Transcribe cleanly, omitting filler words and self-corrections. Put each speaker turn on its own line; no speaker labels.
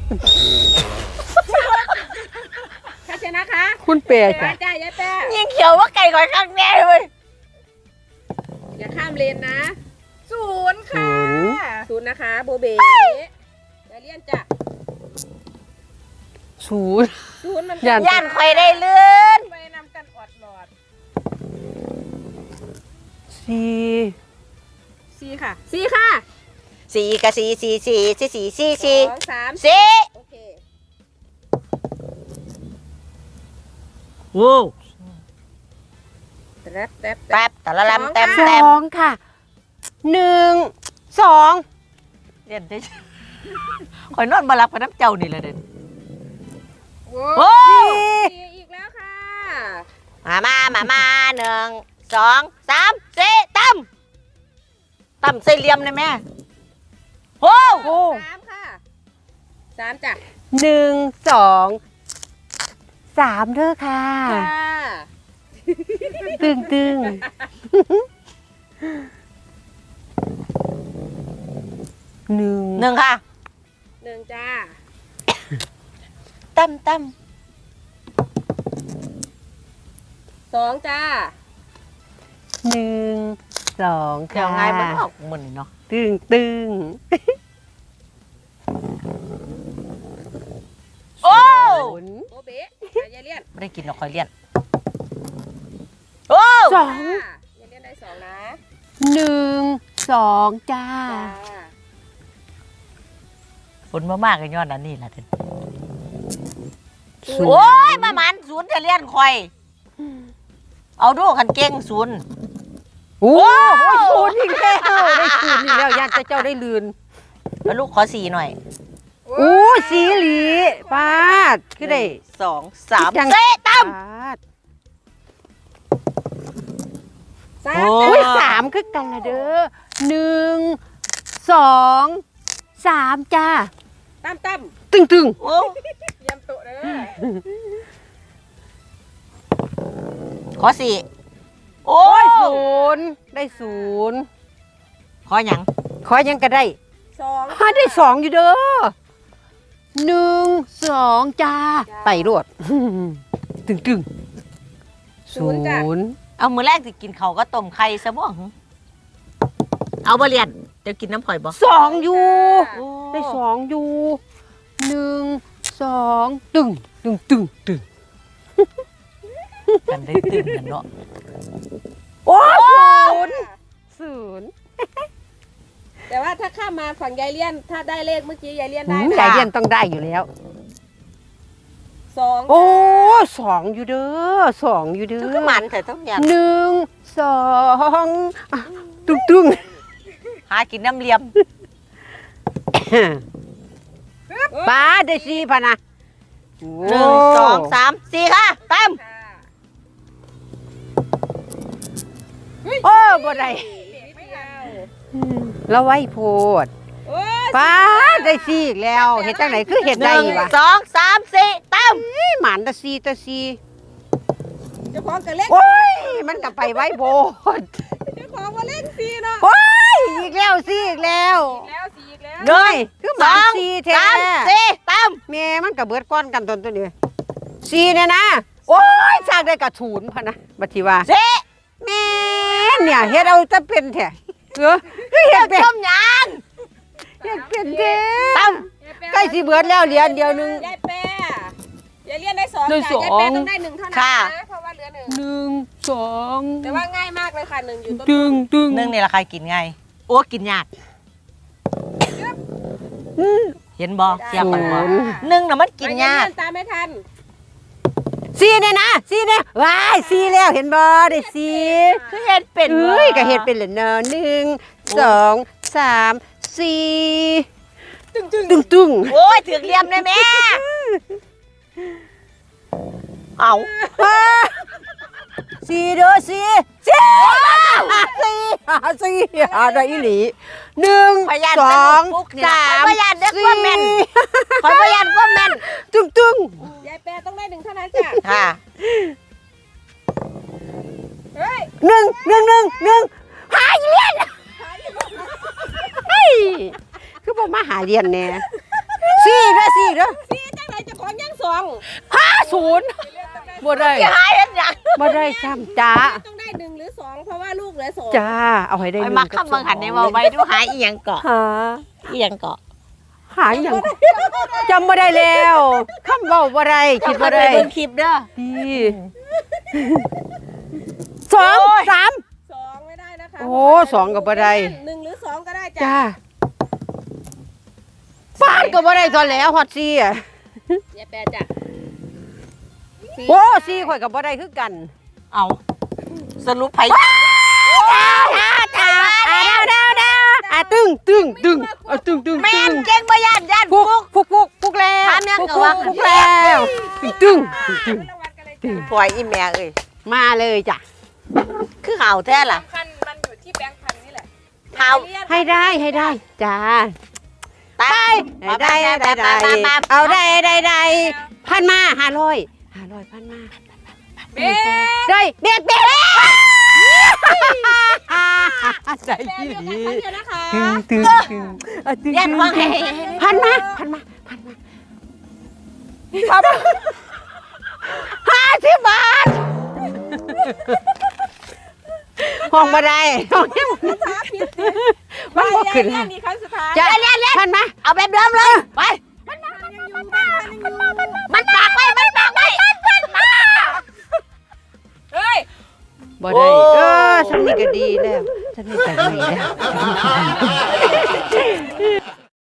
ถ้าชนะคะ
คุณเปย์จ้ะ
จ้ายายแป้
ยิงเขียวว่าไก่ก่อยข้างแน่เลย
อย่าข้ามเลนนะ0 ค่ะ0นะคะโบเบอย่าเลี่ยนจ้ะ0มัน
ย่านคอยได้เลื่อน
ไปนำกันอดหลอด4ค่ะ4ค่ะ
4กับ4 4 4 4 4 4
2 3
4
โอเค
โว้
แป๊บแป๊บ
แป๊บแต่ละลำเต็ม
ส
เต็ม
องค่ะ1 2
เรียนได้คอยนอนมารับกับน้ำเจ้านี่แหละเด่น
โอ้อีกแล้วค่ะ
มา1 2 3 4ตั้มใส่เหลี่ยมเลยแม่โอ้
3ค่ะ3จ้ะ
1 2 3เด้อค่ะตึง1
ค่ะ
1จ้า
ตั้ม
2จ้า
1 2ค่ะ
เดี๋ยวไงมันออกเหมือนเนาะ
ตึง
โอ้
โบเบอย่าเลี่ยน
ไม่ได้กินหรอกคอยเลี่ยนโอ้
2
อย่าเลี่ยนได้2นะ
1 2จ้า
ฝนมากๆกันย้อนนั้นนี่แหละเด่น
0
โอ้ยมาหมันศูนย์จะเลี่ยนคอยเอาดูขันเก่งศูนย์
โอ้ย0อีกแล้วได้0อีกแล้วญาติเจ้าได้ลืน
แล้วลูกขอ4หน่อย
โอ้ยสีหลีปาดคือได้
2 3ตั้ม
ปาด
3
โอ้ย3คือกันละเด้อ1 2 3จ้า
ตั้ม
ตึง
โอ้
เยี่ยมโตเด้อ
ขอ4โอ้
โอ้ย0ได้0
ขอหยัง
ขอยังก็ได้
2
ได้2อยู่เด้อ1 2จ้าไปรวดตึง0
เอามือแรกสิกินเขาก็ต้มไข่ซะบ่เอาบ่เรียนเดี๋ยวกินน้ำข่อยบ่
2อยู่ได้2อยู่1 2ตึง
กันได้ตื่นกันเนาะ
โอ้ย0
แต่ว่าถ้าข้ามมาฝั่งยายเลี่ยนถ้าได้เลขเมื่อกี้ยายเลี่ยนได้
ยายเรียนต้องได้อยู่แล้ว
2
โอ้2อยู่เด้อ2อยู่เด้อ
คือมันเถอะต้องอย่าง
1 2ตึง
หากินน้ำเลียม
ป้าได้4พะนะ
1 2 3 4ค่ะตั้ม
โอ้บ่ได้แล้วไว้โพดป้าได้4อีกแล้วเฮ็ดจังไหนคือเฮ็ดได้วะ
1 2 3 4ตั้ม
หมานตะ4
เจ้าของกับเลข
โอ้ยมันก็ไปไว้โพด
เจ้าของว่าเลข4เนาะ
โอ้ยอีกแล้ว4อีกแล้ว
แล้ว4อีกแล้ว
เด้ยคือหมาน4แท้
3 4ตั้ม
แม่มันก็เบิดก้อนกันตัวนี้4เนี่ยนะโอ้ยสร้างได้กระถูนพะนะบัดทีว่า
4
แม่เนี่ยเฮ็ดเอาจะเป็นแท้คือเฮ็ดเป็น
ต้มยาง
เฮ็ดเป็นแท้
ตั้ม
ใกล้สิเบิดแล้วเหรียญเดียวนึง
ยายแป้ยายเลี่ยนได้2
ได้
จ้ะ
สอง
ยายแป้ต้องได้1เท่านั้นนะเพราะว่าเหลือ1
1 2
แต่ว่าง่ายมากเลยค่ะ1อยู่ต้น
ตึง
นึ่งนี่ละใครกินไงโอ้กินยากเห็นบ่เสียบกันบ่นึ่งน่ะมันกินยาก
ตามไม่ทัน
4เนี่ยนะ4เนี่ยว้าย4แล้วเห็นบ่ได้4
คือเห็ดเป็น
เอ้ยก็เฮ็ดเป็นแล้วเนาะ1 2 3 4ตึง
โอ้ยถึงเหลี่ยมเลยแม่เอา
4เด้อ4ได้อีหลี1
พยาน
2 3
พยานเด็กว่าแม่นคอยพยานว่าแม่น
ตึง
ยายแป้ต้องได้1เท่านั้นจ้ะ
ค่ะ
เฮ้ย
1หาเรียนเฮ้ยคือบ่มาหาเรียนแน่สี่เด้อสี่เด้อ
สี่จังไหนจะของยังสอง
50บ่ได้
จะหายยัง
บ่ได้ซ้ำจ้า
ต้องได้1หรือ2เพราะว่าลูกเหลือ2
จ้าเอาให้ได้
ไป
1
มาข้ามบังหันในว่าไว้ดูหายอีหยังเกาะ
หา
อีหยังเกาะ
หาอย่างจำบ่ได้แล้วคำเว้าบ่ได้คิดบ่ได้
เบิ่งคลิปเด้อ
นี่สองสาม
2ไม่ได้นะคะ
โอ้สองก็บ่ได้
1หรือ2ก็ได้
จ้า
จ้ะ
ป้านก็บ่ได้ตอนแล้วฮอดซี่อ่ะ
อย่าแปลจ้ะ
โอ้ซี่ข่อยก็บ่ได้คือกัน
เอาสรุปไผ
ตึงตึงตึงตึงตึง
แม่นเก่งบ่ย่านย่าน
ฟุก
ฟุก
ฟุกแล้ว
ถามยังก็ว่า
ฟุกแล้วตึงตึง
รางวัลกันเลยจ้ะ
ปล่อยอีแม่เอ้ย
มาเลยจ้ะ
คือเห่าแท้ล่ะ
สำคัญมันอยู่ที่แบงค์พันนี่แหละ
เห่า
ให้ได้จ้า
ตาย
ได้เอาได้พันมา500พันมา
เบ๊ะ
ได้เบียดใจ
แปล
ดี
เดียวกันครั้งเดียวนะคะ
ตึง
เรียนว่าไง
พันมา50 บาทห้องบ่ได้ห้องนี้
ช้าผิด
มันบ่ขึ้น
เรียนนี่ครั้งสุดท้าย
จ้ะพันมา
เอาแบบเดิมเลยไป
มันยังอยู่แบงค์พันยังอยู่
มันปากไว้มันปากไว้
เฮ้ย
บ่ได้ฉันนี่ก็ดีแล้วฉันนี่ก็ดีแล้ว